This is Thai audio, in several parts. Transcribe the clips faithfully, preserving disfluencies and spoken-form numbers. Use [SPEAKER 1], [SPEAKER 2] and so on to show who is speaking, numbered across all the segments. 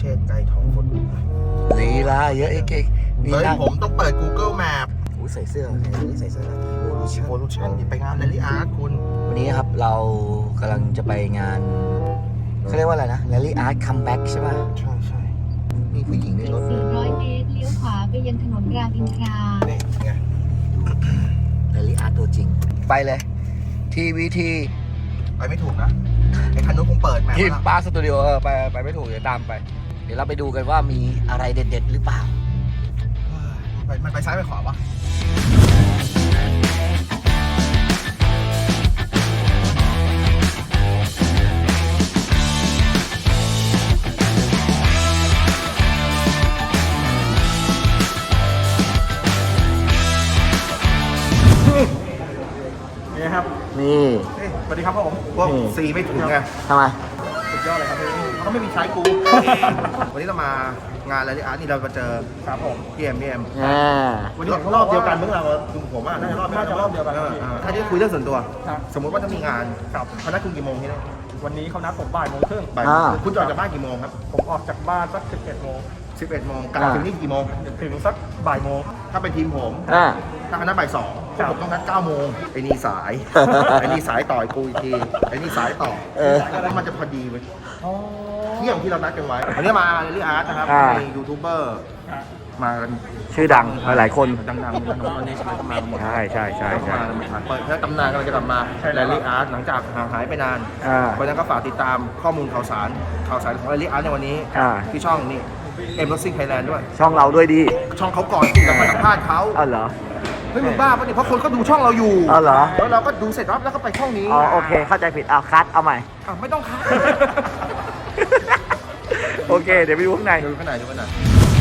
[SPEAKER 1] เชษฐ์ไกรทองฝน
[SPEAKER 2] ลีลาเยอะไอ้เก่งนี่
[SPEAKER 1] เฮ้ย
[SPEAKER 2] นั่ง
[SPEAKER 1] ผมต้องเปิด Google Map
[SPEAKER 2] โอ้ยใส่เสื้อนี่ใส่เสื้อ
[SPEAKER 1] Evolution Evolution นี่ไปงาน Rally Art คุณ
[SPEAKER 2] วันนี้ครับเรากำลังจะไปงานเขาเรียกว่าอะไรนะ Rally Art Comeback ใช่ป่ะ
[SPEAKER 1] ใช่ใช่มีผู้หญิงในรถ
[SPEAKER 3] สี่ร้อยเมตรเลี้ยวขวาไปยังถนนรามอินทรา
[SPEAKER 1] นี่ไง
[SPEAKER 2] Rally Art ตัวจริง ไปเลย ที วี ที
[SPEAKER 1] ไปไม่ถูกนะไอ้คันนู้นคงเปิดแมป
[SPEAKER 2] ที่
[SPEAKER 1] แล้ว
[SPEAKER 2] ปาร์คสตูดิโอเออไปไปไม่ถูกเดี๋ยวตามไป เดี๋ยวเราไปดูกันว่ามีอะไรเด็ดๆหรือเปล่า
[SPEAKER 1] ไปมันไปซ้ายไปขวาวะนี่ครับ
[SPEAKER 2] นี่
[SPEAKER 1] สวัสดีครับผมพวกซีไม่ถึงไง
[SPEAKER 2] ทำไม
[SPEAKER 1] สุดยอดเลยครับพี่เขาก็ไม่มีใช้กู วันนี้เรามางานอะไรที่อาร์ตนี่เรามาเจอครับผมพี่เอ็มพี่เอ็ม
[SPEAKER 2] อ่า
[SPEAKER 1] วันนี้รอบเดียวกันเมื่อเราดูผมอ่ะน่าจะรอบน่าจะรอบเดียวกันถ้าจะคุยเรื่องส่วนตัว สมมติว่าถ้ามีงานกับเขานัดคุณกี่โมงที่นี่
[SPEAKER 4] วันนี้เขานัดผมบ่ายโมงครึ่ง
[SPEAKER 1] บ่ายคุณจะออกจากบ้านกี่โมงครับ
[SPEAKER 4] ผมออกจากบ้านสักสิบเอ็ดโมง
[SPEAKER 1] สิบเอ็ดโมงกลับถึงนี่กี่โมง
[SPEAKER 4] ถึงสักบ่ายโมง
[SPEAKER 1] ถ้าเป็นทีมผม
[SPEAKER 2] อ่า
[SPEAKER 1] ถ้าคณะบ่ายสองพวกผมต้องนัดเก้าโมงไอ้นี่สาย ไอ้นี่สายต่อยกูอีกทีไอ้นี่สายต่อ
[SPEAKER 2] เออ
[SPEAKER 1] แล้วมันจะพอดีเว้ยเที่ยงที่เรานัดกันไว้วันนี้มาเรลลี่อาร์ตนะครับ
[SPEAKER 2] อ่า
[SPEAKER 1] มียูทูบเบอร์มากัน
[SPEAKER 2] ชื่อดังหลายคน
[SPEAKER 1] ดังๆน้องๆนี่ใช่ไหมก็มากันหมด
[SPEAKER 2] ใช่ใช่ใช่ใช่
[SPEAKER 1] เปิดเผยตำนานกำลังจะกลับมาแรลลี่อาร์ตหลังจากห่างหายไปนาน
[SPEAKER 2] อ่า
[SPEAKER 1] เพราะฉะนั้นก็ฝากติดตามข้อมูลข่าวสารข่าวสารของแรลลี่อาร์ตในวันนี้
[SPEAKER 2] อ่า
[SPEAKER 1] ที่ช่องนี่เอ็มรถซิ่งไทยแลนด์ด้วย
[SPEAKER 2] ช่องเราด้วยดี
[SPEAKER 1] ช่องเขาก่อนที่จะมาสัมภาษณ์เขา
[SPEAKER 2] อ้าวเหรอ
[SPEAKER 1] เฮ้ยมึงบ้าปะเนี่ยเพราะคนก็ดูช่องเราอยู่
[SPEAKER 2] อ้าวเหรอ
[SPEAKER 1] แล้วเราก็ดูเสร็จแล้วแล้วก็ไปช่องนี้
[SPEAKER 2] อ๋อโอเค เข้าใจผิดเอาคัดเอาใหม่
[SPEAKER 1] อ่ะไม่ต้องคัด
[SPEAKER 2] โอเค เดี๋ยวไปดูข้างใน
[SPEAKER 1] ดูขางในาดดูขางในาด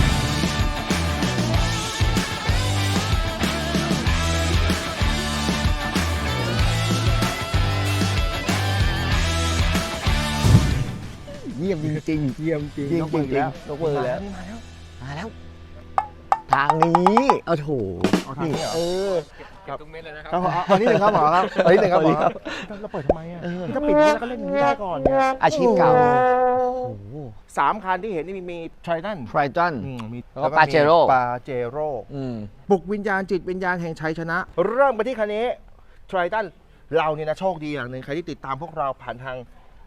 [SPEAKER 2] เยี่ยมจริงๆเยี่ยมจริงจริงจริงยกมือแล้วมาแล้วมาแล้ว ทางนี้เอาโถ
[SPEAKER 1] เอาทางนี้เหรอ
[SPEAKER 2] เออ
[SPEAKER 4] เก็บทุกเม็ดเลยนะครั
[SPEAKER 1] ครับผมเอาอันนี้หนึ่งครับหมอครับอันนี้หนึ่งครับหมอครับเราเปิดทำไมอ่ะ
[SPEAKER 2] เออ
[SPEAKER 1] ก็ปิดนี้แล้วก็เล่นอย่างนี้ได้ก่อนเนี่ย
[SPEAKER 2] อาชีพเก่าโอ้โห
[SPEAKER 1] สามคันที่เห็นนี่มีมีทริตัน
[SPEAKER 2] ไทรตัน
[SPEAKER 1] มี
[SPEAKER 2] แล้วก็ Pajero
[SPEAKER 1] ปาเจโร่
[SPEAKER 2] อืม
[SPEAKER 1] ปลุกวิญญาณจิตวิญญาณแห่งชัยชนะ เริ่มไปที่คันนี้ทริตันเราเนี่ยนะโชคดีอย่างหนึ่งใครที่ติดตามพวกเราผ่านทาง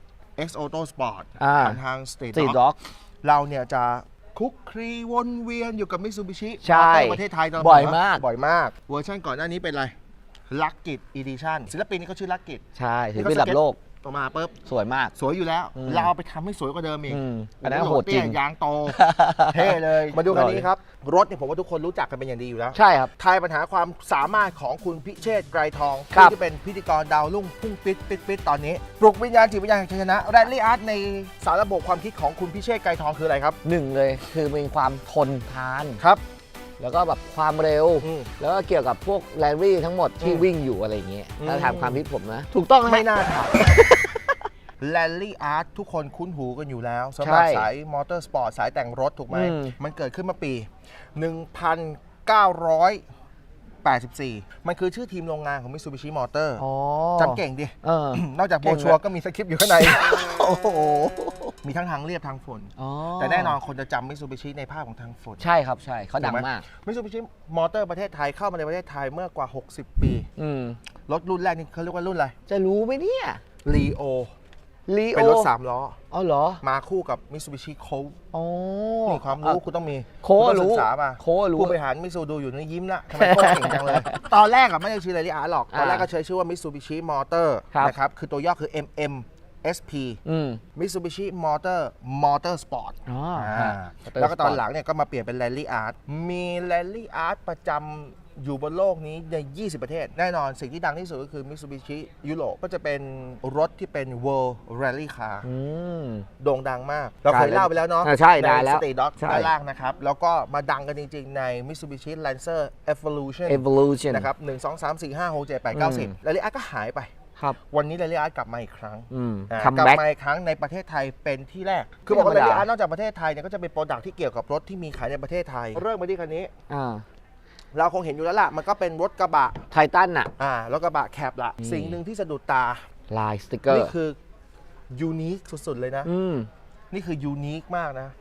[SPEAKER 1] X Auto Sport
[SPEAKER 2] อ่า
[SPEAKER 1] ผ่านทาง State
[SPEAKER 2] สี
[SPEAKER 1] Dog
[SPEAKER 2] ด็อก
[SPEAKER 1] เราเนี่ยจะคุกคลีวนเวียนอยู่กับมิตซูบิชิ
[SPEAKER 2] ใช่
[SPEAKER 1] ประเทศไทยตลด
[SPEAKER 2] บ่อยมาก
[SPEAKER 1] บ่อยมาก เวอร์ชันก่อนหน้านี้เป็นอะไรลักกิจอีดิชั่นศิลปินนี่เขาชื่อลักกิจ
[SPEAKER 2] ใช่ถือเป็นระดับโลก
[SPEAKER 1] ออกมาปุ๊บ
[SPEAKER 2] สวยมาก
[SPEAKER 1] สวยอยู่แล้ว
[SPEAKER 2] อืม
[SPEAKER 1] เราเอาไปทำให้สวยกว่าเดิมอีก
[SPEAKER 2] อืมอันนั้นโหดจริง
[SPEAKER 1] เตี้ยยางโต เท่เลย มาดูคันนี้ครับ รถเนี่ยผมว่าทุกคนรู้จักกันเป็นอย่างดีอยู่แล้ว
[SPEAKER 2] ใช่ครับ
[SPEAKER 1] ทายปัญหาความสามารถของคุณพิเชษฐ์ไกรทอง
[SPEAKER 2] ครับ
[SPEAKER 1] ที่เป็นพิธีกรดาวรุ่งพุ่งปิดปิดปิดตอนนี้ปลุกวิญญาณจิตวิญญาณแห่งชัยชนะแรลลี่อาร์ตในสารระบบความคิดของคุณพิเชษฐ์ไกรทองคืออะไรครับ
[SPEAKER 2] หนึ่งเลยคือมีความทนทาน
[SPEAKER 1] ครับ
[SPEAKER 2] แล้วก็แบบความเร็ว
[SPEAKER 1] อืม
[SPEAKER 2] แล้วก็เกี่ยวกับพวกแรลลี่ทั้งหมดที่
[SPEAKER 1] อืม
[SPEAKER 2] วิ่งอยู่อะไรอย่างเงี้ย
[SPEAKER 1] อืม
[SPEAKER 2] ถ้าถามความคิดผมนะ ถูกต้องไหม
[SPEAKER 1] ไม่น่าถามแรลลี่อาร์ตทุกคนคุ้นหูกันอยู่แล้วสำหรับ
[SPEAKER 2] ใช่
[SPEAKER 1] สายมอเตอร์สปอร์ตสายแต่งรถถูกไหม
[SPEAKER 2] อืม
[SPEAKER 1] มันเกิดขึ้นมาปี หนึ่งพันเก้าร้อยแปดสิบสี่ มันคือชื่อทีมโรงงานของ Mitsubishi Motor
[SPEAKER 2] อ๋อ
[SPEAKER 1] จำเก่งดิ
[SPEAKER 2] เออ
[SPEAKER 1] นอกจากโบ
[SPEAKER 2] เก่ง
[SPEAKER 1] ชัวร์
[SPEAKER 2] เลย
[SPEAKER 1] ก็มีสคริปต์อยู่ข้างใน
[SPEAKER 2] โอ้โห
[SPEAKER 1] มีทั้งทางเรียบทางฝน
[SPEAKER 2] อ๋อ
[SPEAKER 1] แต่แน่นอนคนจะจำ Mitsubishi ในภาพของทางฝน
[SPEAKER 2] ใช่ครับใช่เขาดังมาก
[SPEAKER 1] มิตซูบิชิมอเตอร์ประเทศไทยเข้ามาในประเทศไทยเมื่อกว่า หกสิบ ปี
[SPEAKER 2] อืม
[SPEAKER 1] รถรุ่นแรกนี่เขาเรียกว่ารุ่นอะไร
[SPEAKER 2] จะรู้ไหมเนี่ย
[SPEAKER 1] ลีโอ
[SPEAKER 2] ลีโอ
[SPEAKER 1] เป็นรถสามล้อ
[SPEAKER 2] อ๋อเหรอ
[SPEAKER 1] มาคู่กับ Mitsubishi Colt
[SPEAKER 2] อ๋อ
[SPEAKER 1] นี่ความรู้คุณต้องมี
[SPEAKER 2] โค้ช
[SPEAKER 1] ณต้อง
[SPEAKER 2] รู้
[SPEAKER 1] ศึกษามา
[SPEAKER 2] โค้ชรู้
[SPEAKER 1] ผู้บริหารมิตซูดูอยู่นี่ยิ้มละทำไมโค้ชเก่งจังเลย ตอนแรกอะไม่ได้ชื่ออะไรที่อาร์หรอก ตอนแรกก็ใช้ชื่อว่า Mitsubishi Motor
[SPEAKER 2] ครับ
[SPEAKER 1] นะครับ คือตัวย่อคือ เอ็ม เอ็ม เอส พี
[SPEAKER 2] อืม
[SPEAKER 1] Mitsubishi Motor Motor Sport
[SPEAKER 2] อ๋อ
[SPEAKER 1] อ่า
[SPEAKER 2] อ่า
[SPEAKER 1] แล้วก็ตอนหลังเนี่ยก็มาเปลี่ยนเป็น Rally Art มี Rally Art ประจำอยู่บนโลกนี้ใน ยี่สิบ ประเทศ แน่นอนสิ่งที่ดังที่สุดก็คือ Mitsubishi ยุโรปก็จะเป็นรถที่เป็น World Rally Car
[SPEAKER 2] อืม
[SPEAKER 1] โด่งดังมาก เราเคยเล่าไปแล้วเนาะ
[SPEAKER 2] อ่าใช่ได้แล้ว
[SPEAKER 1] สเตทด็อก
[SPEAKER 2] ใช่
[SPEAKER 1] ด้านล่างนะครับ แล้วก็มาดังกันจริงๆใน Mitsubishi Lancer Evolution
[SPEAKER 2] evolution
[SPEAKER 1] นะครับหนึ่ง สอง สาม สี่ ห้า หก เจ็ด แปด เก้า สิบ
[SPEAKER 2] อืม
[SPEAKER 1] Rally Art ก็หายไป
[SPEAKER 2] ครับ
[SPEAKER 1] วันนี้ Rally Art กลับมาอีกครั้ง
[SPEAKER 2] อืม
[SPEAKER 1] อ่า
[SPEAKER 2] คัม
[SPEAKER 1] กลับ
[SPEAKER 2] แบ็ก
[SPEAKER 1] มาอีกครั้งในประเทศไทยเป็นที่แรก คือบอกว่า
[SPEAKER 2] ไม่ธรรม
[SPEAKER 1] Rally
[SPEAKER 2] ดา
[SPEAKER 1] Art นอกจากประเทศไทยเนี่ยก็จะเป็นโปรดักที่เกี่ยวกับรถที่มีขายในประเทศไทย เริ่มมาที่คันนี้
[SPEAKER 2] อ่า
[SPEAKER 1] เราคงเห็นอยู่แล้วล่ะ มันก็เป็นรถกระบะ
[SPEAKER 2] ไททันน่ะ
[SPEAKER 1] อ่ารถกระบะแคบละ
[SPEAKER 2] อืม
[SPEAKER 1] สิ่งหนึ่งที่สะดุดตา
[SPEAKER 2] ลายสติกเกอร์
[SPEAKER 1] นี่คือยูนิคสุดๆเลยนะ
[SPEAKER 2] อืม
[SPEAKER 1] นี่คือยูนิคมากนะ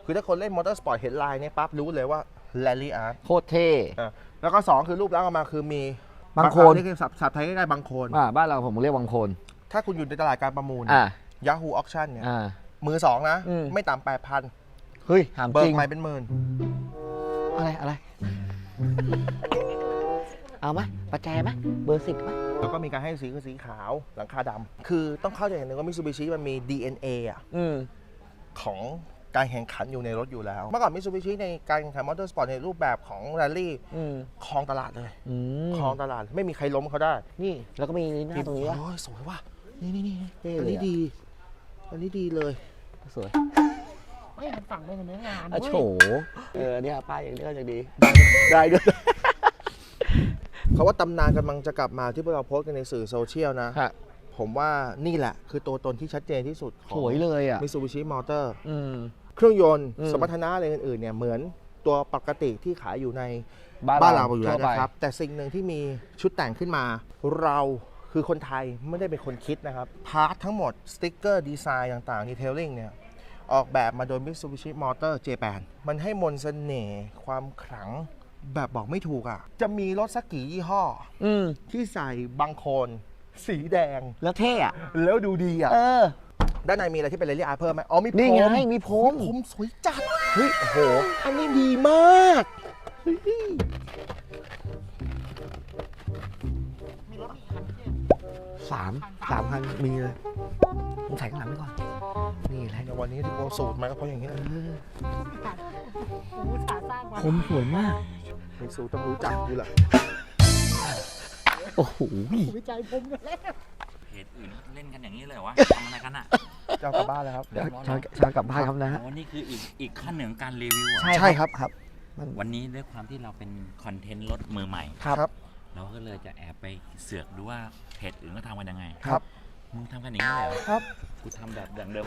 [SPEAKER 1] คือถ้าคนเล่นมอเตอร์สปอร์ตเห็นลายเนี่ยปั๊บรู้เลยว่าแรลลี่อาร์ต
[SPEAKER 2] โคตรเท่
[SPEAKER 1] แล้วก็สองคือรูปลักษณ์ออกมาคือมี
[SPEAKER 2] บางโคน
[SPEAKER 1] นี่คือศัพท์ศัพท์ไทยใกล้ๆบางโคน
[SPEAKER 2] อ่าบ้านเราผมเรียกวังโคน
[SPEAKER 1] ถ้าคุณอยู่ในตลาดการประมูล
[SPEAKER 2] อ่า
[SPEAKER 1] Yahoo Auction เนี่ย
[SPEAKER 2] อ่า
[SPEAKER 1] มือสองนะ
[SPEAKER 2] อืม
[SPEAKER 1] ไม่ต่ำแปดพัน
[SPEAKER 2] เฮ้ยถาม
[SPEAKER 1] เบิ
[SPEAKER 2] จ
[SPEAKER 1] ก
[SPEAKER 2] ริง
[SPEAKER 1] ใหม่เป็นหมื่น
[SPEAKER 2] อะไรอะไรเอาไหมประแจไหมเบอร์สิบไหม
[SPEAKER 1] แล้วก็มีการให้สีคือสีขาวหลังคาดำคือต้องเข้าใจอย่างหนึ่งว่ามิ t ซูบิชิมันมี ดี เอ็น เอ อ่ะ
[SPEAKER 2] อืม
[SPEAKER 1] ของการแข่งขันอยู่ในรถอยู่แล้ว เมื่อก่อนมิ t ซูบิชิในการแข่งขันมอเตอร์สปอร์ตในรูปแบบของแรลลี่
[SPEAKER 2] อืม
[SPEAKER 1] ครองตลาดเลย
[SPEAKER 2] อืม
[SPEAKER 1] ครองตลาดไม่มีใครล้มเขาได้
[SPEAKER 2] นี่แล้วก็มีหน้าตรงนี้ว่ะ
[SPEAKER 1] โอ้ยสวยว่ะนี่นี่นี่
[SPEAKER 2] เท่
[SPEAKER 1] อัน
[SPEAKER 2] เลย
[SPEAKER 1] นี้
[SPEAKER 2] อะ
[SPEAKER 1] ดี อันนี้ดีเลย
[SPEAKER 2] สวย
[SPEAKER 5] ไม่มันฝั่งเป็นเนื้องาน
[SPEAKER 2] อ่ะ
[SPEAKER 5] เว้ย
[SPEAKER 2] โฉเออเนี่ยป้ายอย่างนี้ก็จะดี ได้ด้วย
[SPEAKER 1] เขาว่าตำนานกำลังจะกลับมาที่พวกเราโพสต์กันในสื่อโซเชียลนะ
[SPEAKER 2] ฮะ
[SPEAKER 1] ผมว่านี่แหละคือตัวตนที่ชัดเจนที่สุดขอ
[SPEAKER 2] ส
[SPEAKER 1] ง
[SPEAKER 2] วยเลยอ่ะ
[SPEAKER 1] มิ t ซูบิชิมอเตอร์
[SPEAKER 2] อืม
[SPEAKER 1] เครื่องยนต์
[SPEAKER 2] อืม
[SPEAKER 1] สมรรถนะอะไรอื่นๆเนี่ยเหมือนตัวปกติที่ขายอยู่ใน
[SPEAKER 2] บ้าน
[SPEAKER 1] บ้าน
[SPEAKER 2] เรา
[SPEAKER 1] เราอยู่แล้ว
[SPEAKER 2] ทั่วไป
[SPEAKER 1] นะครับ แต่สิ่งหนึ่งที่มีชุดแต่งขึ้นมา เราคือคนไทยไม่ได้เป็นคนคิดนะครับ พาร์ททั้งหมด สติ๊กเกอร์ดีไซน์ต่างๆดีเทลลิ่งเนี่ย ออกแบบมาโดย Mitsubishi Motor Japan มันให้มนต์เสน่ห์ความขลังแบบบอกไม่ถูกอ่ะ จะมีรถสักกี่ยี่ห้อ
[SPEAKER 2] อืม
[SPEAKER 1] ที่ใส่บางโคนสีแดง
[SPEAKER 2] แล้วเท่อะ
[SPEAKER 1] แล้วดูดีอ่ะ
[SPEAKER 2] เออ
[SPEAKER 1] ด้านในมีอะไรที่เป็นเรลลี่อาร์เพิ่มไหมอ๋อมีพรม
[SPEAKER 2] นี่ไงมีพรม
[SPEAKER 1] พรมสวยจัด เฮ้ย โอ้โห อันนี้ดีมากเฮ้ย
[SPEAKER 2] สามสามพันมีเลยผมใส่ข้างหลังไว้ก่อน นี่แหละ
[SPEAKER 1] ในวันนี้ที่โกสูตรมาก็เพราะอย่างนี้แหละ
[SPEAKER 5] กูสาสร้างมา
[SPEAKER 2] ผมสวยมาก
[SPEAKER 1] มิสูต้องรู้จักกูแหละ
[SPEAKER 2] โอ้โห
[SPEAKER 5] วิจัยผมอยู่แล้ว
[SPEAKER 6] เพจอื่นเล่นกันอย่างนี้เลยเหรอวะ ทำอะไรกันอ่ะ
[SPEAKER 1] จะเอากลับบ้านแล้วครับ
[SPEAKER 2] เดี๋ยวชาชากลับบ้านครับนะ
[SPEAKER 6] อ๋อนี่คืออีกอีกขั้นหนึ่งของการรีวิวอ่ะ
[SPEAKER 1] ใช่ครับครับ
[SPEAKER 6] วันนี้ด้วยความที่เราเป็นคอนเทนต์รถมือใหม่
[SPEAKER 1] ครับ
[SPEAKER 6] เราก็เลยจะแอบไปเสือกดูว่าเพจอื่นเขาทำกันยังไง
[SPEAKER 1] ครับ
[SPEAKER 6] มึงทำกันอย่างนี้เลยเหรอ
[SPEAKER 1] ครับ
[SPEAKER 6] กูทำแบบอย่างเดิม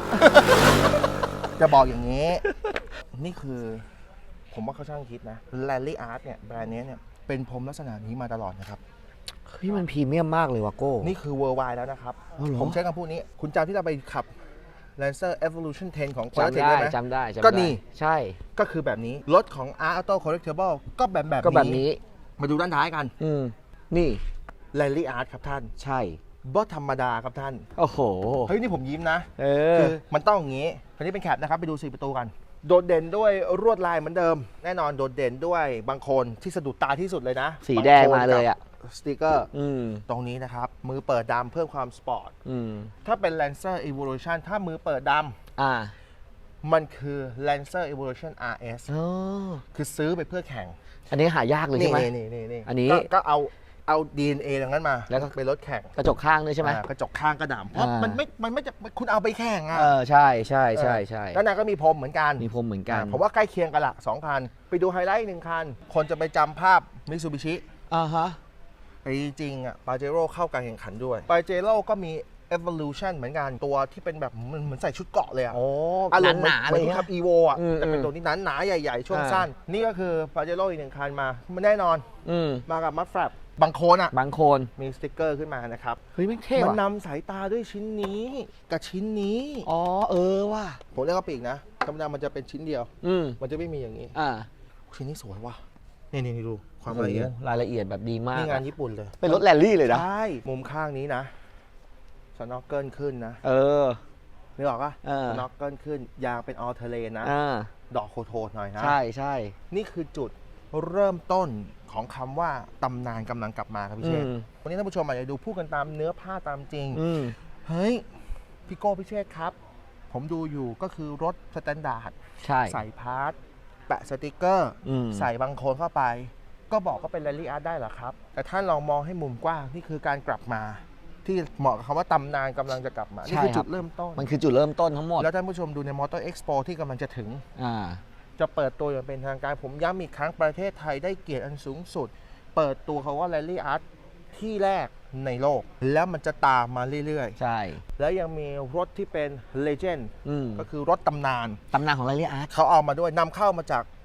[SPEAKER 1] จะบอกอย่างนี้ นี่คือ ผมว่าเขาช่างคิดนะ Rally Art เนี่ยแบรนด์นี้เนี่ยเป็นพรมลักษณะนี้มาตลอดนะครับ
[SPEAKER 2] เฮ้ยมันพรีเมียมมากเลยว่ะโก้
[SPEAKER 1] นี่คือ worldwide แล้วนะครับ
[SPEAKER 2] อ๋อเหรอ
[SPEAKER 1] ผมใช้คำพูดนี้ คุณจำที่เราไปขับ Lancer Evolution เท็นของ
[SPEAKER 2] จำ
[SPEAKER 1] Quattro
[SPEAKER 2] ได้
[SPEAKER 1] ไหม
[SPEAKER 2] จำได้จำได้
[SPEAKER 1] ก็นี่
[SPEAKER 2] ใช่
[SPEAKER 1] ก็คือแบบนี้ รถของ Art Auto Collectible ก็แบบแบบ
[SPEAKER 2] ก็แบบนี้
[SPEAKER 1] มาดูด้านท้ายกัน
[SPEAKER 2] อืม นี่
[SPEAKER 1] Rally Art ครับท่าน
[SPEAKER 2] ใช่
[SPEAKER 1] บ่ธรรมดาครับท่าน
[SPEAKER 2] โอ้โห
[SPEAKER 1] เฮ้ย นี่ผมยิ้มนะ
[SPEAKER 2] เออ
[SPEAKER 1] คือมันต้องอย่างนี้คันนี้เป็นแคปนะครับ ไปดูสี่ประตูกัน โดดเด่นด้วยรวดลายเหมือนเดิม แน่นอนโดดเด่นด้วยบางโคนที่สะดุดตาที่สุดเลยนะ
[SPEAKER 2] สีแดงมาเลยอ่ะ
[SPEAKER 1] บงโคนกับสติกเกอร์
[SPEAKER 2] อืม
[SPEAKER 1] ตรงนี้นะครับ มือเปิดดำเพิ่มความสปอร์ต
[SPEAKER 2] อืม
[SPEAKER 1] ถ้าเป็น Lancer Evolution ถ้ามือเปิดด
[SPEAKER 2] อ่า
[SPEAKER 1] ำมันคือ Lancer Evolution อาร์ เอส
[SPEAKER 2] อ๋อ
[SPEAKER 1] คือซื้อไปเพื่อแข่ง
[SPEAKER 2] อันนี้หายากเลย
[SPEAKER 1] นี่
[SPEAKER 2] ใช่ไหม
[SPEAKER 1] นี่นี่นี่
[SPEAKER 2] อันนี้
[SPEAKER 1] ก็ก็เอาเอา ดี เอ็น เอ ตรงนั้นมา
[SPEAKER 2] แล้วก็
[SPEAKER 1] เป็นรถแข่ง
[SPEAKER 2] กระจกข้างด้วยใช่ไหม
[SPEAKER 1] อ่ากระจกข้างกระดำเพราะ
[SPEAKER 2] อ่ามั
[SPEAKER 1] มันไม่มันไม่จะคุณเอาไปแข่งอ่ะ
[SPEAKER 2] เออ ใช่ใช่ใช่ใช่
[SPEAKER 1] ด้านในก็มีพรมเหมือนกัน
[SPEAKER 2] มีพรมเหมือนกัน
[SPEAKER 1] อ่าผมว่าใกล้เคียงกันละสองคัน ไปดูไฮไลท์หนึ่งคัน คนจะไปจำภาพมิ t ซูบิชิ
[SPEAKER 2] อ่าฮะ
[SPEAKER 1] แต่จริงๆอ่ะปาเจโร่เข้าการแข่งขันด้วยปาเจโร่ก็มี Evolution เหมือนกันตัวที่เป็นแบบเหมือนเหมือนใส่ชุดเกราะเลยอ่ะ
[SPEAKER 2] โอ้
[SPEAKER 1] อารมณ์
[SPEAKER 2] หนาๆ
[SPEAKER 1] เหมื
[SPEAKER 2] เล
[SPEAKER 1] อน
[SPEAKER 2] ย
[SPEAKER 1] ที่ขับ
[SPEAKER 2] นะ
[SPEAKER 1] อีโวอ่ะ
[SPEAKER 2] อืม
[SPEAKER 1] แต่เป็น
[SPEAKER 2] อืม
[SPEAKER 1] ตัวนี้หนาหนาๆใหญ่ๆ ช่วง
[SPEAKER 2] อ่า
[SPEAKER 1] สั้น นี่ก็คือปาเจโร่อีกหนึ่งคันมามันแน่นอน
[SPEAKER 2] อืม
[SPEAKER 1] มากับมัดแฟลปบางโคนอ่ะ
[SPEAKER 2] บางโคน
[SPEAKER 1] มีสติกเกอร์ขึ้นมานะครับ
[SPEAKER 2] เฮ้ยไม่เท่
[SPEAKER 1] มัน
[SPEAKER 2] ว่ะ
[SPEAKER 1] นำสายตาด้วยชิ้นนี้กับชิ้นนี้
[SPEAKER 2] อ๋อ เออว่ะ
[SPEAKER 1] ผมเรียกว่าปีกนะธรรมดามันจะเป็นชิ้นเดียว
[SPEAKER 2] อืม
[SPEAKER 1] มันจะไม่มีอย่างนี้
[SPEAKER 2] อ่า
[SPEAKER 1] ชิ้นนี้สวยว่ะนี่นี่นี่ดูความละเอียด
[SPEAKER 2] โอ้โหรายละเอียดแบบดีมาก
[SPEAKER 1] นี่งาน
[SPEAKER 2] อะ
[SPEAKER 1] ญี่ปุ่นเลย
[SPEAKER 2] เป็นรถแรลลี่เลยนะ
[SPEAKER 1] ใช่ มุมข้างนี้นะสน็อกเกิลขึ้นนะ
[SPEAKER 2] เออ
[SPEAKER 1] นึกออกปะ
[SPEAKER 2] เออ
[SPEAKER 1] สน็อกเกิลขึ้น ยางเป็นออเทเลนนะ
[SPEAKER 2] อ่า
[SPEAKER 1] ดอกโคโทนหน่อยนะ
[SPEAKER 2] ใช่ใช่
[SPEAKER 1] นี่คือจุดเริ่มต้นของคำว่าตำนานกำลังกลับมาครับพี่
[SPEAKER 2] อื
[SPEAKER 1] เชษ
[SPEAKER 2] ม
[SPEAKER 1] วันนี้ท่านผู้ชมอาจจะดูพูดกันตามเนื้อผ้าตามจริง
[SPEAKER 2] อืม
[SPEAKER 1] เฮ้ย พี่โก้พี่เชษครับ ผมดูอยู่ก็คือรถสแตนดาร์ด
[SPEAKER 2] ใช่
[SPEAKER 1] ใส่พาร์ทแปะสติกเกอร์
[SPEAKER 2] อืม
[SPEAKER 1] ใส่บางโคนเข้าไป ก็บอกก็เป็นแรลลี่อาร์ตได้เหรอครับ แต่ท่านลองมองให้มุมกว้าง นี่คือการกลับมา ที่เหมาะกับคำว่าตำนานกำลังจะกลับมา นี่คือจุดเริ่มต้น
[SPEAKER 2] มันคือจุดเริ่มต้นทั้งหมด
[SPEAKER 1] แล้วท่านผู้ชมดูในมอเตอร์เอ็กซ์โปที่กำลังจะถึง
[SPEAKER 2] อ่า
[SPEAKER 1] จะเปิดตัวอย่างเป็นทางการ ผมย้ำอีกครั้งประเทศไทยได้เกียรติอันสูงสุด เปิดตัวเขาว่าแรลลี่อาร์ตที่แรกในโลก แล้วมันจะตามมาเรื่อย
[SPEAKER 2] ใช่
[SPEAKER 1] ๆ แล้วยังมีรถที่เป็นเลเจนด์
[SPEAKER 2] อืม
[SPEAKER 1] ก็คือรถตำนาน
[SPEAKER 2] ตำนานของแรลลี่อาร์ต
[SPEAKER 1] เขาเอามาด้วยนำเข้ามาจาก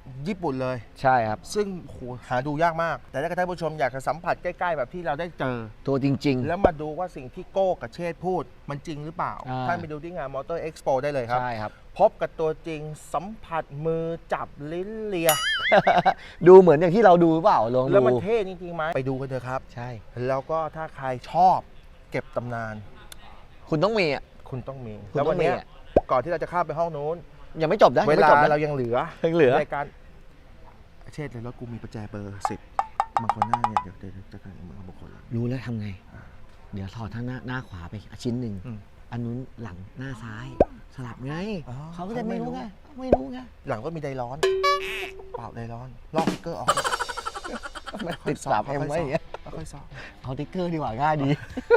[SPEAKER 1] ญี่ปุ่นเลย
[SPEAKER 2] ใช่ครับ
[SPEAKER 1] ซึ่งโหหาดูยากมาก แต่ถ้าท่านผู้ชมอยากจะสัมผัสใกล้ๆแบบที่เราได้เจอ
[SPEAKER 2] ตัวจริง
[SPEAKER 1] แล้วมาดูว่าสิ่งที่โก้กับเชษฐ์พูดมันจริงหรือเปล่า
[SPEAKER 2] อ่า
[SPEAKER 1] ท่านไปดูที่งานมอเตอร์เอ็กซ์โปได้เลย
[SPEAKER 2] ๆ
[SPEAKER 1] ครับ
[SPEAKER 2] ใช่ครับ
[SPEAKER 1] พบกับตัวจริงสัมผัสมือจับลิ้นเลีย
[SPEAKER 2] ดูเหมือนอย่างที่เราดูหรือเปล่าลอง
[SPEAKER 1] แล้วมัน
[SPEAKER 2] ดู
[SPEAKER 1] เท่จริงๆไหมไปดูกันเถอะครับ
[SPEAKER 2] ใช่
[SPEAKER 1] แล้วก็ถ้าใครชอบเก็บตำนาน
[SPEAKER 2] คุณต้องมีอ่ะ
[SPEAKER 1] คุณต้องมี
[SPEAKER 2] คุณ
[SPEAKER 1] แล้ว
[SPEAKER 2] ต้
[SPEAKER 1] วั
[SPEAKER 2] อน งมี
[SPEAKER 1] เนี้ย
[SPEAKER 2] อะ
[SPEAKER 1] ก่อนที่เราจะข้ามไปห้องนู้น
[SPEAKER 2] ยังไม่จบนะ
[SPEAKER 1] เว
[SPEAKER 2] ยังไม่
[SPEAKER 1] ลา
[SPEAKER 2] จบนะ
[SPEAKER 1] เรายังเหลือ
[SPEAKER 2] ยังเหลือ
[SPEAKER 1] ในการเชษฐ์เลยรถกูมีประแจเบอร์สิบมังกรหน้าเนี่ยเดี๋ยวเดี๋ยวจะกันมือเอาบุคคล
[SPEAKER 2] รู้แล้วทำไง เดี๋ยวถอดทั้งหน้าหน้าขวาไปชิ้นหนึ่ง
[SPEAKER 1] อืม
[SPEAKER 2] อันนู้นหลังหน้าซ้าย สลับไง
[SPEAKER 1] อ๋อ
[SPEAKER 2] เขาก็จะไม่รู้
[SPEAKER 1] เขาไม่รู้
[SPEAKER 2] ไงไม่รู้ไง
[SPEAKER 1] หลังก็มีไดร้อน เปล่าไดร้อน ลอกสติ๊กเกอร์ออก
[SPEAKER 2] มันติดสลับเอ็มไว้อย่างเงี้ย
[SPEAKER 1] ค่อยๆสอบ
[SPEAKER 2] เอาติ๊กเกอร์ดีกว่าง่ายดี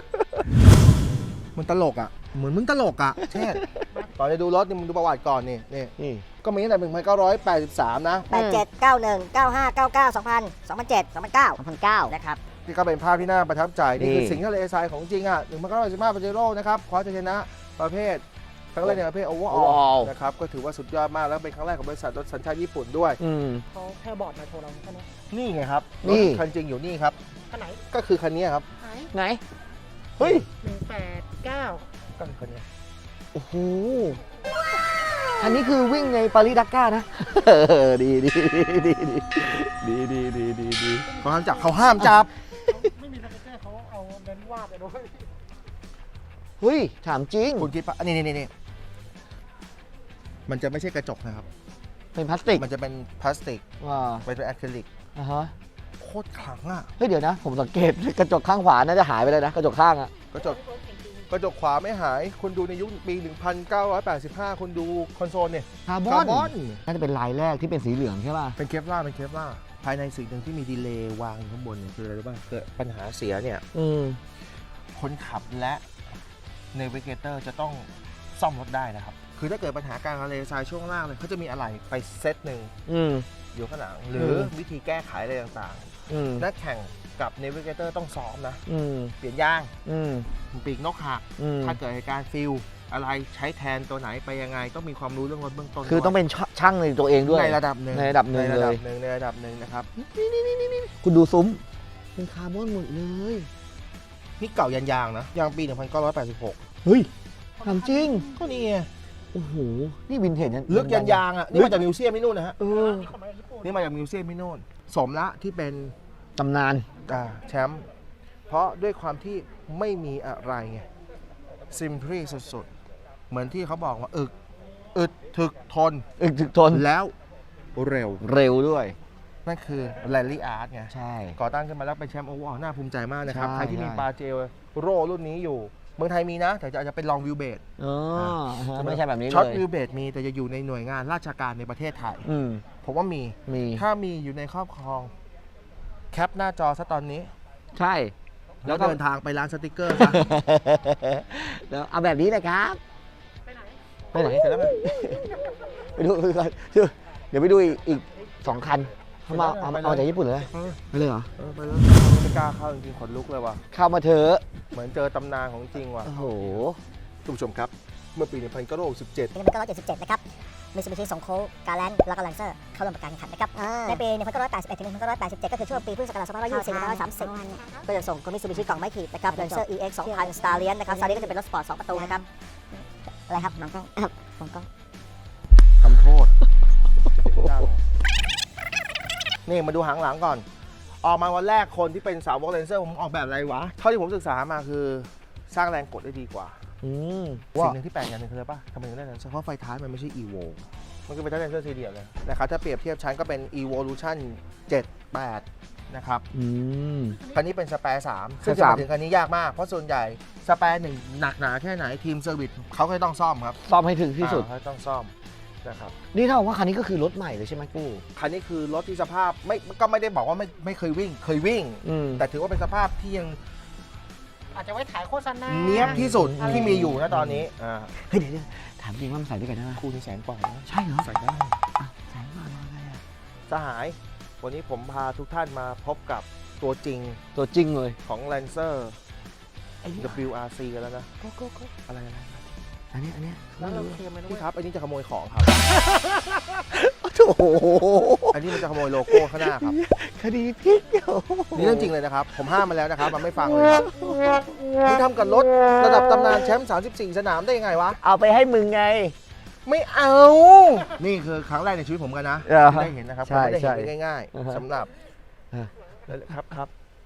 [SPEAKER 1] มันตลกอ่ะ เหมือนมึงตลกอ่ะ เช่นก่อนจะดูรถนี่มึงดูประวัติก่อนนี่นี่
[SPEAKER 2] นี่
[SPEAKER 1] ก็มีตั้งแต่หนึ่งพันเก้าร้อยแปดสิบสามนะ
[SPEAKER 7] แปดเจ็ด เก้าหนึ่ง เก้าห้า เก้าเก้า สองพัน สองพันเจ็ด สองพันเก้า สองพันเก้า นะครับ
[SPEAKER 1] ที่ก็เป็นภาพที่น่าประทับใจ นี่คือ
[SPEAKER 2] นี่
[SPEAKER 1] สิงห์ทะเลทรายของจริงอ่ะหนึ่งพันเก้าร้อยสิบห้าปาเจโร่นะครับคว้าชัยชนะประเภทครั้งแรกในประเภทโอเวอร์ออลนะครับ ก็ถือว่าสุดยอดมาก แล้วเป็นครั้งแรกของบริษัทรถสัญชาติญี่ปุ่นด้วย
[SPEAKER 2] อืม
[SPEAKER 5] เขาแค่บอร์ดมาโชว์เราแค่นี้
[SPEAKER 1] นี่ไงครับ
[SPEAKER 2] นี่
[SPEAKER 1] รถคันจริงอยู่นี่ครับ
[SPEAKER 5] คันไหน
[SPEAKER 1] ก็คือคันนี้ครับ
[SPEAKER 5] ไหน
[SPEAKER 2] ไหน
[SPEAKER 1] เฮ้ย
[SPEAKER 5] หนึ่งแปดเก้า
[SPEAKER 1] ก็คือคันนี้
[SPEAKER 2] โอ้โห อันนี้คือวิ่งในปารีสดักก้านะ เออดีดีดีดีดีดีดีดีดี
[SPEAKER 1] เขาห้ามจับเขาห้ามจับ
[SPEAKER 5] ไม่มีสติ๊กเกอร์เขาเอาเน้นวาดไปด้วย
[SPEAKER 2] เฮ้ย ถามจริง
[SPEAKER 1] คุณคิดปะนี่นี่นี่มันจะไม่ใช่กระจกนะครับ
[SPEAKER 2] เป็นพลาสติก
[SPEAKER 1] มันจะเป็นพลาสติก
[SPEAKER 2] ว้า
[SPEAKER 1] เป็นอะคริลิก
[SPEAKER 2] อ่าฮะ
[SPEAKER 1] โคตรขลังอ่ะ
[SPEAKER 2] เฮ้ย เดี๋ยวนะ ผมสังเกตกระจกข้างขวาน่าจะหายไปเลยนะ กระจกข้างอะ
[SPEAKER 1] กระจกกระจกขวาไม่หาย คุณดูในยุคปี หนึ่งพันเก้าร้อยแปดสิบห้า คุณดูคอนโซลเนี่ย
[SPEAKER 2] คาร์บ
[SPEAKER 1] คา
[SPEAKER 2] อน
[SPEAKER 1] ร์บอน
[SPEAKER 2] น่าจะเป็นลายแรกที่เป็นสีเหลืองใช่ป่ะ
[SPEAKER 1] เป็นเคปลาร์เป็นเคปลาร์ภายในสิ่งหนึ่งที่มีดีเลย์วางอยู่ข้างบนเนี่ยคืออะไรรู้ป่ะเกิดปัญหาเสียเนี่ย
[SPEAKER 2] อืม
[SPEAKER 1] คนขับและเนวิเกเตอร์จะต้องซ่อมรถได้นะครับ คือถ้าเกิดปัญหาการทะเลทรายช่วงล่างเลยเขาจะมีอะไรไปเซตหนึ่ง
[SPEAKER 2] อืม
[SPEAKER 1] อยู่ข้างหลัง หรือวิธีแก้ไขอะไรต่าง
[SPEAKER 2] อืม
[SPEAKER 1] ๆนักแข่งกับเนวิเกเตอร์ต้องซ้อมนะ
[SPEAKER 2] อืม
[SPEAKER 1] เปลี่ยนยาง
[SPEAKER 2] อืม
[SPEAKER 1] ปีกนกหัก
[SPEAKER 2] อืม
[SPEAKER 1] ถ้าเกิดเหตุการณ์ฟิลอะไรใช้แทนตัวไหนไปยังไง ต้องมีความรู้เรื่องรถเบื้องต้น
[SPEAKER 2] คือต้องเป็นช่างในตัวเองด้วย
[SPEAKER 1] ในระดับหนึ่ง
[SPEAKER 2] ในระดับหนึ่ง
[SPEAKER 1] ในระดั
[SPEAKER 2] เลย
[SPEAKER 1] บหนึ่งในระดับหนึ่งนะครับ
[SPEAKER 2] คุณดูซุ้ม เป็นคาร์บอนหมดเลย
[SPEAKER 1] นี่เก่ายันยางนะยางปี หนึ่งพันเก้าร้อยแปดสิบหก
[SPEAKER 2] เฮ้ยถามจริง
[SPEAKER 1] ก็นี่ไง
[SPEAKER 2] โอ้โห นี่วินเทจนั่น
[SPEAKER 1] ลึกยันยางอ่ะนี่มาจากมิวเซียมที่นู่นนะฮะ
[SPEAKER 2] เออ
[SPEAKER 5] นี่เขามาจากญี่ปุ่น
[SPEAKER 1] นี่มาจากมิวเซียมที่นู่นสมละที่เป็น
[SPEAKER 2] ตำนาน
[SPEAKER 1] อ่าแชมป์เพราะด้วยความที่ไม่มีอะไรไงซิมพลีสุดๆ เหมือนที่เขาบอกว่าอึกอึดถึกทน
[SPEAKER 2] อึกถึกทน
[SPEAKER 1] แล้วเร็ว
[SPEAKER 2] เร็วด้วย
[SPEAKER 1] นั่นคือแรลลี่อาร์ตไง
[SPEAKER 2] ใช่
[SPEAKER 1] ก่อตั้งขึ้นมาแล้วเป็นแชมป์โอเวอร์น่าภูมิใจมากนะครับ
[SPEAKER 2] ใช่
[SPEAKER 1] ใครที่มี
[SPEAKER 2] ใช่
[SPEAKER 1] ปาเจโร่รุ่นนี้อยู่ เมืองไทยมีนะ แต่จะอาจจะเป็นลองวิวเบด
[SPEAKER 2] อ๋อฮะไม่ใช่แบบนี้
[SPEAKER 1] ช็อต
[SPEAKER 2] เลย
[SPEAKER 1] วิวเบดมีแต่จะอยู่ในหน่วยงานราชการในประเทศไทย
[SPEAKER 2] อืม
[SPEAKER 1] ผมว่ามี
[SPEAKER 2] มี
[SPEAKER 1] ถ้ามีอยู่ในครอบครอง แคปหน้าจอซะตอนนี้
[SPEAKER 2] ใช่
[SPEAKER 1] แล้วเดินทางไปร้านสติกเกอร์ซะ
[SPEAKER 2] แล้วเอาแบบนี้เลยครับ
[SPEAKER 5] ไปไหน
[SPEAKER 2] ไปไหน
[SPEAKER 1] เสร็จแล้วไหม
[SPEAKER 2] ไปดูไปดูก่อนเดี๋ยวไปดูอีกอีกสองคันเขามาเอา
[SPEAKER 1] ไปเลย
[SPEAKER 2] เอาจากญี่ปุ่นเลย
[SPEAKER 1] เออ
[SPEAKER 2] ไปเลยเหรอ
[SPEAKER 1] เออไปแล้วไม่กล้าเข้าจริงๆขนลุกเลยว่ะ
[SPEAKER 2] เข้ามาเถอะ
[SPEAKER 1] เหมือนเจอตำนานของจริงว่ะ
[SPEAKER 2] โอ้โห
[SPEAKER 1] ทุกผู้ชมครับ เมื่อปี หนึ่งพันเก้าร้อยหกสิบเจ็ด
[SPEAKER 7] ปีหนึ่งพันเก้าร้อยเจ็ดสิบเจ็ด นะครับมิตซูบิชิส่งโค้กการแลนด์แล้วก็แลนเซอร์เข้าร่วมการแข่งขันนะครับ ในปีหนึ่งพันเก้าร้อยแปดสิบเอ็ดถึงหนึ่งพันเก้าร้อยแปดสิบเจ็ด ก็คือช่วงปีพุทธศักราชสองพันห้าร้อยยี่สิบ ถึงสองพันห้าร้อยสามสิบ ก็จะส่งมิตซูบิชิกล่องไม้ขีดนะครับแลนเซอร์ อี เอ็กซ์ สองพัน Stallion นะครับ Stallion ก็จะเป็นรถสปอร์ตสองประตูนะครับ อะไรครับน้องกล้องน้องกล้อง
[SPEAKER 1] ทำโทษ นี่มาดูหางหลังก่อน ออกมาวันแรกคนที่เป็นสาววอลเลนเซอร์ผมออกแบบอะไรวะ เท่าที่ผมศึกษามาคือสร้างแรงกดได้ดีกว่า
[SPEAKER 2] อืม
[SPEAKER 1] สิ่งหนึ่งที่แปลกอย่างหนึงคืออะไรป่ะทำไมถึงได้แลนเซอร์เพราะไฟท้ายมันไม่ใช่ Evo มันก็เป็นแลนเซอร์ซีเดียเลยนะครับถ้าเปรียบเทียบชั้นก็เป็น Evolution เจ็ด แปด นะครับ
[SPEAKER 2] อืม
[SPEAKER 1] คันนี้เป็นสแปร์สามซึ่ง
[SPEAKER 2] ส
[SPEAKER 1] จะ
[SPEAKER 2] แปร์
[SPEAKER 1] มาถึงคันนี้ยากมาก เพราะส่วนใหญ่สแปร์หนึ่งหนักหนาแค่ไหนทีมเซอร์วิสเขาก็ต้องซ่อมครับ
[SPEAKER 2] ซ่อมให้ถึงที่สุด
[SPEAKER 1] อ่าเขาต้องซ่อมนะครับ
[SPEAKER 2] นี่เท่ากับว่าคันนี้ก็คือรถใหม่เลยใช่ไหมกู้
[SPEAKER 1] คันนี้คือรถที่สภาพไม่ก็ไม่ได้บอกว่าไม่ไม่เคยวิ่ง เคยวิ่ง
[SPEAKER 2] อืม
[SPEAKER 1] แต่ถือว่าเป็นสภาพที่ยัง
[SPEAKER 5] อาจจะไว้ถ่ายโฆษณา
[SPEAKER 1] เนี้ยบที่สุด
[SPEAKER 5] อะไร
[SPEAKER 1] ที่มีอยู่นะตอนนี้อ่า
[SPEAKER 2] เฮ้ยเดี๋ยวเดี๋ยวถามจริงว่ามันใส่ด้วยกันได้ไหม
[SPEAKER 1] คู่นี้แสนกว่านะ
[SPEAKER 2] ใช่เหรอ
[SPEAKER 1] ใส่ได้
[SPEAKER 2] อ่ะใส่มาอะไรอ่ะ
[SPEAKER 1] สหาย วันนี้ผมพาทุกท่านมาพบกับตัวจริง
[SPEAKER 2] ตัวจริงเลย
[SPEAKER 1] ของ Lancer
[SPEAKER 2] ไอ้นี่
[SPEAKER 1] ดับเบิลยู อาร์ ซี กันแล้วนะ
[SPEAKER 2] ก็ก็ก็
[SPEAKER 1] อะไรอะไร
[SPEAKER 2] อันนี้อันนี้
[SPEAKER 5] แล้วเราเคลมไหมนะ
[SPEAKER 1] พี่
[SPEAKER 5] เว้ย
[SPEAKER 1] ครับ อันนี้จะขโมยของครับ
[SPEAKER 2] โอ้โห
[SPEAKER 1] อันนี้มันจะขโมยโลโก้ข้างหน้าครับ
[SPEAKER 2] คดีพลิกโอ้โห
[SPEAKER 1] นี่เรื่องจริงเลยนะครับ ผมห้ามมาแล้วนะครับ มันไม่ฟังเลยครับนี่ทำกับรถระดับตำนานแชมป์สามสิบสี่สนามได้ยังไงวะ
[SPEAKER 2] เอาไปให้มึงไง
[SPEAKER 1] ไม่เอา นี่คือครั้งแรกในชีวิตผมกันนะ
[SPEAKER 2] เหรอ
[SPEAKER 1] ที่ได้เห็นนะครับ
[SPEAKER 2] ใช่
[SPEAKER 1] ไม่ได้เห็น
[SPEAKER 2] ใช่
[SPEAKER 1] ได้ง่าย
[SPEAKER 2] อ่าฮะ
[SPEAKER 1] ๆสำหรับ
[SPEAKER 2] อ่า
[SPEAKER 1] ครับครับ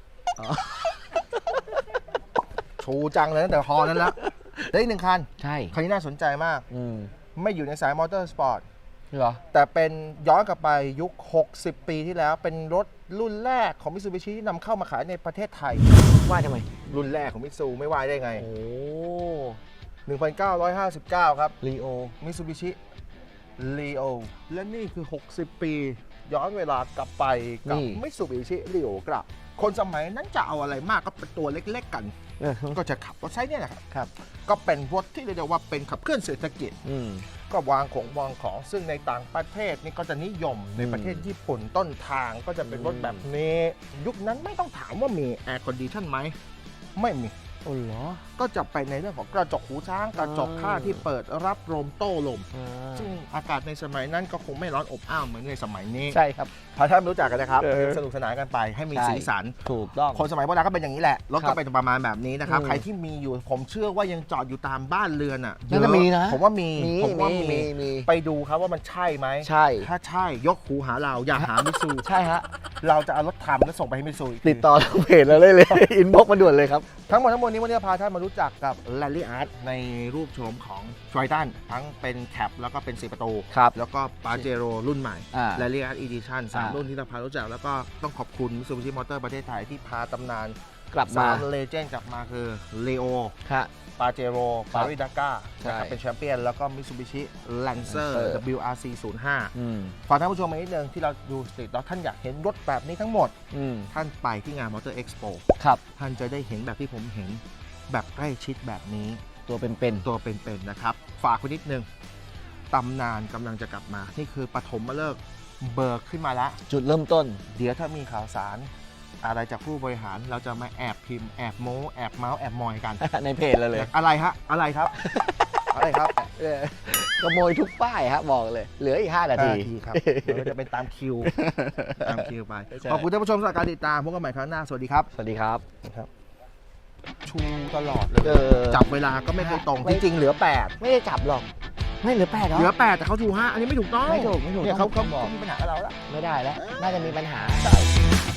[SPEAKER 1] ชูจังเลยตั้งแต่ฮอนั้นแล้วได้อีกหนึ่งคัน
[SPEAKER 2] ใช่
[SPEAKER 1] คันนี้น่าสนใจมาก
[SPEAKER 2] อืม
[SPEAKER 1] ไม่อยู่ในสายมอเตอร์สปอร์ต
[SPEAKER 2] เหรอ
[SPEAKER 1] แต่เป็นย้อนกลับไปยุค หกสิบ ปีที่แล้ว เป็นรถรุ่นแรกของมิตซูบิชิที่นำเข้ามาขายในประเทศไทย
[SPEAKER 2] ว่าทำไม
[SPEAKER 1] รุ่นแรกของมิตซูไม่ว่าได้ไง
[SPEAKER 2] โอ้
[SPEAKER 1] หนึ่งพันเก้าร้อยห้าสิบเก้า ครับ
[SPEAKER 2] ลีโอ
[SPEAKER 1] มิตซูบิชิลีโอและนี่คือ หกสิบ ปี ย้อนเวลากลับไปกับมิตซูบิชิลีโอกลับ คนสมัยนั้นจะเอาอะไรมากก็เป็นตัวเล็กๆกัน
[SPEAKER 2] เออ
[SPEAKER 1] ก็จะขับรถใช้เนี่ยแหละครับ
[SPEAKER 2] ครับ
[SPEAKER 1] ก็เป็นรถที่เรียกได้ว่าเป็นขับเคลื่อนเศรษฐกิจ
[SPEAKER 2] อืม
[SPEAKER 1] ก็วางของวางของซึ่งในต่างประเทศนี่ก็จะนิยมในประเทศญี่ปุ่นต้นทางก็จะเป็นรถแบบนี้ ยุคนั้นไม่ต้องถามว่ามีแอร์คอนดิชันไหม ไม่มี
[SPEAKER 2] โอ้เหรอ
[SPEAKER 1] ก็จะไปในเรื่องของกระจกหูช้างกระจกข้างที่เปิดรับลมโต้ลม
[SPEAKER 2] อ่า
[SPEAKER 1] ซึ่งอากาศในสมัยนั้นก็คงไม่ร้อนอบอ้าวเหมือนในสมัยนี้
[SPEAKER 2] ใช่ครับ
[SPEAKER 1] พาท่านรู้จักกันนะครับ
[SPEAKER 2] เออ
[SPEAKER 1] สนุกสนานกันไปให้มี
[SPEAKER 2] ใช่
[SPEAKER 1] สีสัน
[SPEAKER 2] ถูกต้อง
[SPEAKER 1] คนสมัยโบราณก็เป็นอย่างนี้แหละ รถ
[SPEAKER 2] ครั
[SPEAKER 1] ก็
[SPEAKER 2] บ
[SPEAKER 1] เป็นประมาณแบบนี้นะครับ
[SPEAKER 2] อืม
[SPEAKER 1] ใครที่มีอยู่ผมเชื่อว่ายังจอดอยู่ตามบ้านเรือนอ่ะ
[SPEAKER 2] น่าจะ
[SPEAKER 1] เยอ
[SPEAKER 2] มีนะ
[SPEAKER 1] ผมว่ามี
[SPEAKER 2] มี
[SPEAKER 1] ผมว่า
[SPEAKER 2] มี
[SPEAKER 1] มี
[SPEAKER 2] มีมี
[SPEAKER 1] ไปดูครับว่ามันใช่ไหม
[SPEAKER 2] ใช่
[SPEAKER 1] ถ้าใช่ยกหูหาเราอย่าหามิตซู
[SPEAKER 2] ใช่ฮะ
[SPEAKER 1] เราจะเอารถทำแล้วส่งไปให้มิตซูอีกที
[SPEAKER 2] ติดต่อทางเพจเราเลยเลย อินบ็อกมาด่วนเลยครับ
[SPEAKER 1] ทั้งหมดทั้งมวลนี้วันนี้พาท่านมารู้จักกับ Rally Art ในรูปโฉมของ Triton ทั้งเป็นแคปแล้วก็เป็นสี่ประตู
[SPEAKER 2] ครับ
[SPEAKER 1] แล้วก็ Pajero รุ่นใหม่
[SPEAKER 2] อ่า
[SPEAKER 1] Rally Art Edition สาม
[SPEAKER 2] อ่า
[SPEAKER 1] รุ่นที่เราพารู้จักแล้วก็ต้องขอบคุณ Mitsubishi Motor ประเทศไทยที่พาตำนาน
[SPEAKER 2] กลับ
[SPEAKER 1] สา
[SPEAKER 2] มา
[SPEAKER 1] มเลเจนด์กลับมาคือ Leo
[SPEAKER 2] ฮะ
[SPEAKER 1] Pajero
[SPEAKER 2] ครับ
[SPEAKER 1] Paris Dakar
[SPEAKER 2] ใช่
[SPEAKER 1] นะครับเป็นแชมเปี้ยนแล้วก็ Mitsubishi Lancer
[SPEAKER 2] Lancer
[SPEAKER 1] ดับเบิลยู อาร์ ซี ศูนย์ห้า
[SPEAKER 2] อืม
[SPEAKER 1] ฝากท่านผู้ชมมานิดนึงที่เราดูสตรีทแล้วท่านอยากเห็นรถแบบนี้ทั้งหมด
[SPEAKER 2] อืม
[SPEAKER 1] ท่านไปที่งาน Motor Expo
[SPEAKER 2] ครับ
[SPEAKER 1] ท่านจะได้เห็นแบบที่ผมเห็นแบบใกล้ชิดแบบนี้
[SPEAKER 2] ตัวเป็น
[SPEAKER 1] ตัวเป็นๆนะครับ ฝากไว้นิดนึงตำนานกำลังจะกลับมา นี่คือปฐมฤกษ์เบิกขึ้นมาแล้ว
[SPEAKER 2] ๆ จุดเริ่มต้น
[SPEAKER 1] เดี๋ยวถ้ามีข่าวสาร อะไรจากผู้บริหารเราจะมาแอบพิมพ์แอบโม้แอบเมาส์แอบมอยกัน
[SPEAKER 2] ในเพจเราเลย
[SPEAKER 1] อะไรฮะ อะไรครับ อะไรครับ
[SPEAKER 2] เออขโมยทุกป้ายฮะบอกเลย เหลืออีกห้านาที
[SPEAKER 1] ห้านาทีครับเดี๋ยวจะเป็นตามคิว ตามคิวไป
[SPEAKER 2] ใช่
[SPEAKER 1] ขอบคุณท่านผู้ชมสำหรับการติดตามพบกันใหม่ครั้งหน้า สวัสดีครับ
[SPEAKER 2] สวัสดีครับ
[SPEAKER 1] ชูตลอดเลย
[SPEAKER 2] เออ
[SPEAKER 1] จับเวลาก็ไม่เคยตรง
[SPEAKER 2] ไม่
[SPEAKER 1] จริงๆ เหลือ แปด
[SPEAKER 2] ไม่ได้จับหรอก ไม่เหลือแปดหรอ
[SPEAKER 1] เหลือ แปด แต่เขาชูห้าอันนี้ไม่ถูกต้อง
[SPEAKER 2] ไม่ถูกไม่ถูก
[SPEAKER 1] เนี่ย
[SPEAKER 2] ต้
[SPEAKER 1] เขา
[SPEAKER 2] อง
[SPEAKER 1] เขา
[SPEAKER 2] บอก
[SPEAKER 1] เขามีปัญหากับเราแล้ว
[SPEAKER 2] ไม่ได้แล้ว น่าจะมีปัญหา
[SPEAKER 1] ใช่